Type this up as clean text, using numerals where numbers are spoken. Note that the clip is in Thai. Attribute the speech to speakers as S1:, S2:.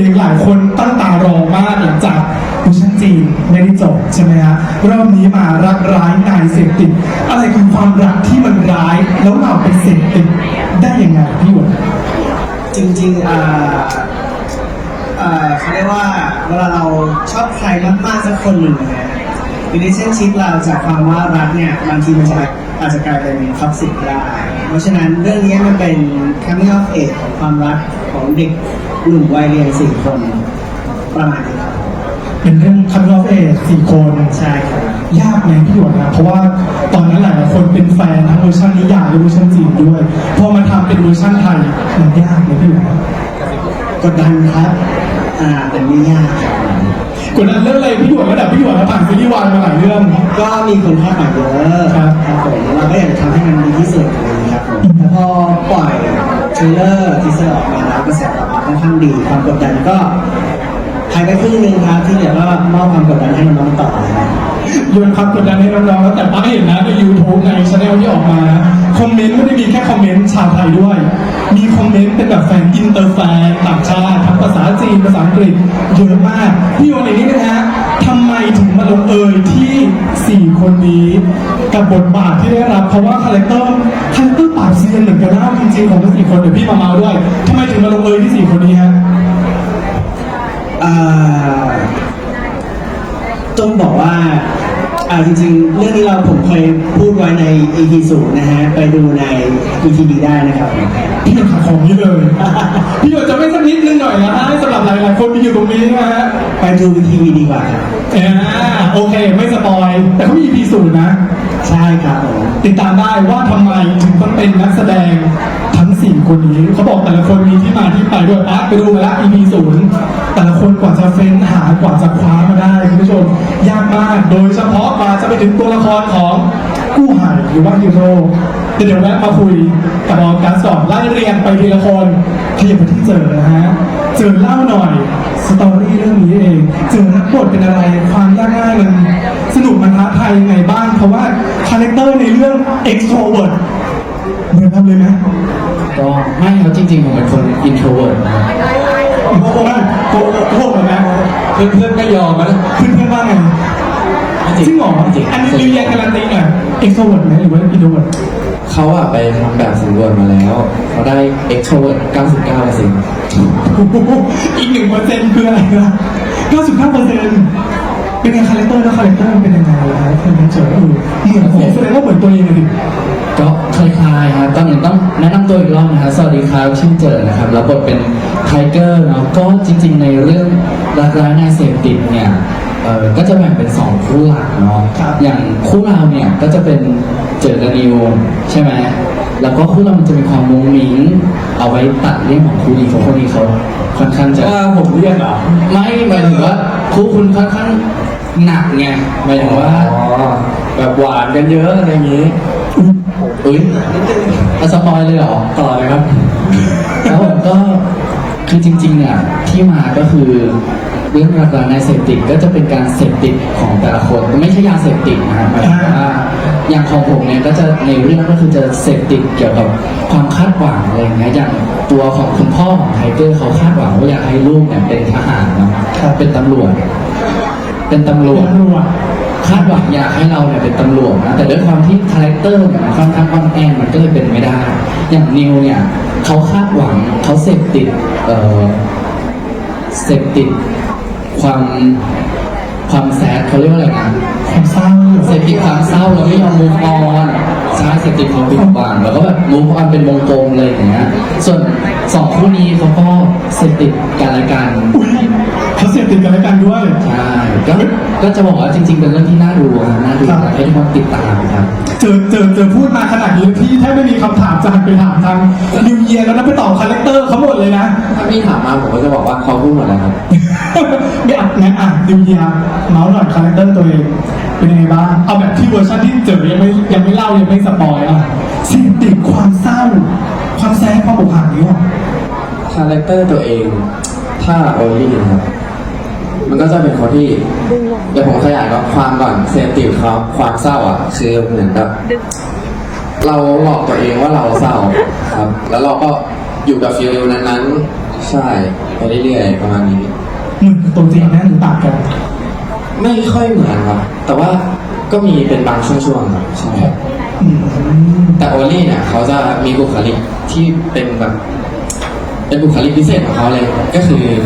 S1: เองหลายคนตั้งตารอมากหลังจากเวอร์ชันจีนไม่ได้จบใช่ไหมฮะรอบนี้มารักร้ายนายเสพติดอะไรคือความรักที่มันร้ายแล้วเราไปเสพติดได้ยังไงพี่หวน
S2: จริงๆเขาเรียกว่าเวลาเราชอบใครมากๆสักคนหนึ่งนะrelationship เราจากความว่ารักเนี่ยบางทีมันจะอาจจะกลายเป็นท็อกซิกได้เพราะฉะนั้นเรื่องนี้มันเป็น coming of age ของความรักของเด็กกลุ่มวัยเรียน4 คนประมาณนี้ครับ
S1: เป็นเรื่องคัม of age 4 คน
S2: ใช่ครับ
S1: ยากไหมพี่หวนนะเพราะว่าตอนนั้นหลายคนเป็นแฟนทั้งเวอร์ชันนิยายและเวอร์ชันจีนด้วยพอมาทำเป็นเวอร์ชันไทยมันยากไหมพี่หวน
S2: กดดันครับแต่ไม่ยากครับ
S1: กดดันเรื่องอะไรพี่หวนระดับพี่หวนผ่านซีรีส์วายมาหลายเรื่อง
S2: ก็มีคนคาดหวังเยอะครับผมเราก็อยากจะทำให้มันดีที่สุดนะครับผมแต่พอปล่อยเทรลเลอร์ทีเซอร์ออกมาแล้วกระแสตอบรับค่อนข้างดีความกดดันก็หายไปครึ่งนึงครับที่เหลือก็มอบความกดดันให้น้องๆต่อนะครับ
S1: โยนความกดดันให้น้องๆแล้วแต่ป้าเห็นนะใน YouTube ในช anel ที่ออกมานะคอมเมนต์ไม่ได้มีแค่คอมเมนต์ชาวไทยด้วย มีคอมเมนต์เป็นแบบแฟนอินเตอร์แฟนต่างชาติทั้งภาษาจีนภาษาอังกฤษเยอะมากพี่โยนอย่างนี้นะฮะทำไมถึงมาลงเอยที่ 4 คนนี้กับบทบาทที่ได้รับเพราะว่าคาแรคเตอร์ปราบเซียนเหมือนกันนะจริงๆของทั้ง4 คนเดี๋ยวพี่มาเมาด้วยทำไมถึงมาลงเอยที่ 4 คนนี้ฮะ
S2: ต้องบอกว่าจริงๆเรื่องนี้ผมเคยพูดไว้ใน EP 0นะฮะไปดูใน ETV ได้นะครับ
S1: พี่หยดขายของนี้เลย พี่หยดจะไม่สักนิดนึงหน่อยนะฮะให้สำหรับหลายๆคนที่อยู่ตรงนี้นะฮะ
S2: ไปดู ETV ดีกว่าครับ
S1: โอเคไม่สปอยแต่เขามี EP 0นะ
S2: ใช่ครับผม
S1: ติดตามได้ว่าทำไมถึงต้องเป็นนักแสดงทั้ง 4 คนนี้เขาบอกแต่ละคนมีที่มาที่ไปด้วยปั๊บไปดูมาแล้ว EP 0แต่ละคนกว่าจะเฟ้นหากว่าจะคว้ามาได้คุณผู้ชมยากมากโดยเฉพาะกว่าจะไปถึงตัวละครของกู้หายหรือว่าฮีโร่เดี๋ยวแวะมาคุยกับออกัสก่อนไล่เรียงไปทีละคนขยับไปที่เจอนะฮะเจอเล่าหน่อยสตอรี่เรื่องนี้เองเจอรับบทเป็นอะไรความยากง่ายมันสนุกมันท้าทายยังไงบ้างเพราะว่าคาแรคเตอร์ในเรื่อง extrovert เหมือนกันเลยไหม
S3: ก็ไม่ครับจริงๆผมเป็นคน introvert นะ
S1: โกหกเหรอนะ
S3: เพื่อนๆก็ยอมนะ
S1: เพื่อนๆว่าไงจริงเหรออันนี้รีเรียนการันตีหน่อย extrovert ไหมหรือว่า introvert
S3: เขาอะไปทำแบบสำรวจมาแล้ว เขาได้ extrovert 99%
S1: อีก 1% คืออะไรนะ99%เป็นไงคาแรคเตอร์แล้วคาแรคเตอร์เป็นยังไงล่ะครับคุณเจอเหมือนผมแสดงว่าเหมือนตัวเองเลยดิ
S3: ก็คล้ายๆครับตอนนี้ต้องแนะนำตัวอีกรอบนะครับสวัสดีครับชื่อเจอนะครับรับบทเป็นไทเกอร์เนาะก็จริงๆในเรื่องรักร้ายนายเสพติดเนี่ยก็จะแบ่งเป็น2คู่หลักเนาะอย่างคู่เราเนี่ยก็จะเป็นเจอกับนิวใช่ไหมแล้วก็คู่เรามันจะมีความมุ้งมิ้งเอาไว้ตัดเรื่องของคู่นี้เพราะคู่นี้เขาค่อนข้างจะว่าผมเรียกเหรอไม่หมายถึงว่าคู่คุณค่อนข้างหนักไงหมายถึงว่าแบบหวานกันเยอะอะไรอย่างนี้อุ้ยเอาสปอยเลยเหรอต่อเลยครับแล้วผมก็คือจริงๆเนี่ยที่มาก็คือเรื่องรักร้ายนายเสพติดก็จะเป็นการเสพติดของแต่ละคนไม่ใช่ยาเสพติดนะครับหมายถึงว่าอย่างของผมเนี่ยก็จะในเรื่องก็คือจะเสพติดเกี่ยวกับความคาดหวังอะไรอย่างเงี้ยอย่างตัวของคุณพ่อของไทเกอร์เขาคาดหวังว่าอยากให้ลูกเนี่ยเป็นทหารเนาะเป็นตำรวจคาดหวังอยากให้เราเนี่ยเป็นตำรวจนะแต่ด้วยความที่คาแรคเตอร์เนี่ยมันค่อนข้างอ่อนแอมันก็เลยเป็นไม่ได้อย่างนิวเนี่ยเขาคาดหวังเขาเสพติดความแซดเขาเรียกว่าอะไรนะ
S1: ความเศร้า
S3: เสพติดความเศร้าเราไม่ยอม move on ใช่เสพติดความผิดหวังแล้วก็แบบ move on เป็นวงกลมเลยอย่างเงี้ยส่วน2คู่นี้เขาก็เสพติดกันและกัน
S1: อุ้ยเขาเสพติดกันและกันด้วย
S3: ใช่ก็จะบอกว่าจริงๆเป็นเรื่องที่น่าดูครับน่าดูให้ทุกคนติดตามครับ
S1: เจอพูดมาขนาดนี้พี่แทบไม่มีคำถามจะหันไปถามทางนิวเยียร์แล้วนะไปตอบคาแรคเตอร์เขาหมดเลยนะ
S3: ถ้าพี่ถามมาผมก็จะบอกว่าเขาพูดหมดแล้วครับ
S1: ไม่อัดงั้นนิวเยียร์เมาส์หน่อยคาแรคเตอร์ตัวเองเป็นยังไงบ้างเอาแบบที่เวอร์ชันที่เจอยังไม่เล่ายังไม่สปอยอ่ะเสพติดความเศร้าความแซ่ความอกหักนี้หรอ
S4: คาแรคเตอร์ตัวเองถ้าโอลี่นะครับ มันก็จะเป็นคนที่เดี๋ยวผมขยายความก่อนเซนติฟเขาความเศร้าอ่ะคือเหมือนกับเราหลอกตัวเองว่าเราเศร้าครับ แล้วเราก็อยู่กับฟีลนั้นๆใช่ไปเรื่อยๆประมาณนี้
S1: เหมือนตัวจริงนะหรือต่างกัน
S4: ไม่ค่อยเหมือนครับ แต่ว่าก็มีเป็นบางช่วงๆครับใช่
S1: อืม
S4: แต่โอลี่เนี่ยเขาจะมีบุคลิกที่เป็นแบบเป็นบุคลิกพิเศษของเขาเลยก็คือ